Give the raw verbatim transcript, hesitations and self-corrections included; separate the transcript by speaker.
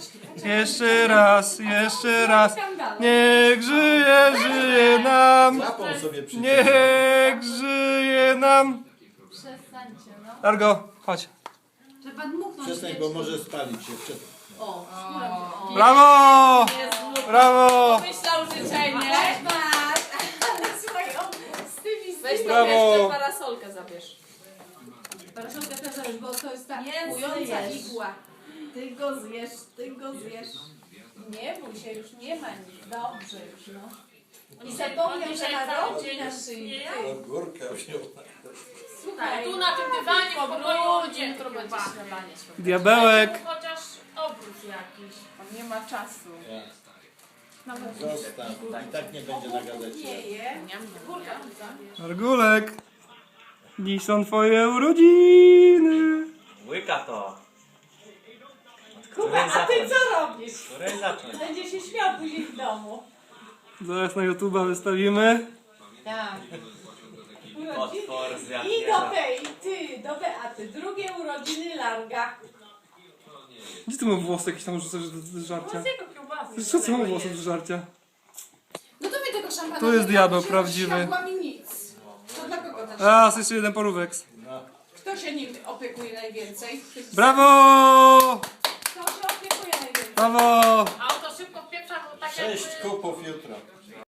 Speaker 1: Jeszcze raz, jeszcze raz. Niech żyje, żyje nam.
Speaker 2: Zapał sobie przy
Speaker 1: Niech żyje nam.
Speaker 3: Przestańcie, no.
Speaker 1: Largo, chodź.
Speaker 4: Trzeba dmuchnąć.
Speaker 2: Przestań, bo może spalić się. Przestań.
Speaker 4: O, skóra mnie. O.
Speaker 1: Brawo! Brawo!
Speaker 3: Myślał życzenie.
Speaker 4: Weź masz. Słuchaj, on z tymi, z
Speaker 3: Weź
Speaker 4: tymi.
Speaker 3: tam
Speaker 1: Brawo.
Speaker 3: jeszcze parasolkę zabierz.
Speaker 4: Paraszolkę też zabierz, bo to jest ta
Speaker 3: Mięsny
Speaker 4: kująca
Speaker 3: jesz.
Speaker 4: igła. Ty go zjesz, ty go zjesz. Nie bój się, już nie ma nic. Dobrze już, no. I zapomniał, że ma rogi na szyi. Ty.
Speaker 2: Górka wziął.
Speaker 4: Słuchaj,
Speaker 5: Tu na tym dywanie w pokoju nie
Speaker 3: Jutro będzie śniadanie.
Speaker 1: Diabełek.
Speaker 5: Chociaż obrót jakiś.
Speaker 3: On nie ma czasu.
Speaker 2: Zostaw. I tak nie będzie na gazecie.
Speaker 4: nie je.
Speaker 1: Argulek. Dziś są twoje urodziny.
Speaker 6: Łyka to.
Speaker 4: Kuba, a ty co robisz?
Speaker 6: Której zacząć?
Speaker 4: Będzie się śmiał później w domu.
Speaker 1: Zaraz na YouTube'a wystawimy.
Speaker 4: Tak.
Speaker 6: Potwór z
Speaker 4: I
Speaker 6: jakiego?
Speaker 4: do tej, ty, do Beaty. Drugie urodziny Larga.
Speaker 1: Gdzie ty mam włosy jakieś tam rzucasz do żarcia?
Speaker 5: Z jego kiełbasy.
Speaker 1: Co ty mam włosy do żarcia?
Speaker 4: No to mi tego szampana.
Speaker 1: Tu jest diabeł prawdziwy.
Speaker 4: Nie mi nic. To dla kogo też?
Speaker 1: Raz, jeszcze jeden porówek.
Speaker 4: Kto się nim opiekuje najwięcej?
Speaker 1: Brawo!
Speaker 4: Kto się opiekuje najwięcej?
Speaker 1: Brawo!
Speaker 5: A oto szybko w pieprza, bo tak jak...
Speaker 2: Sześć kupów jutro.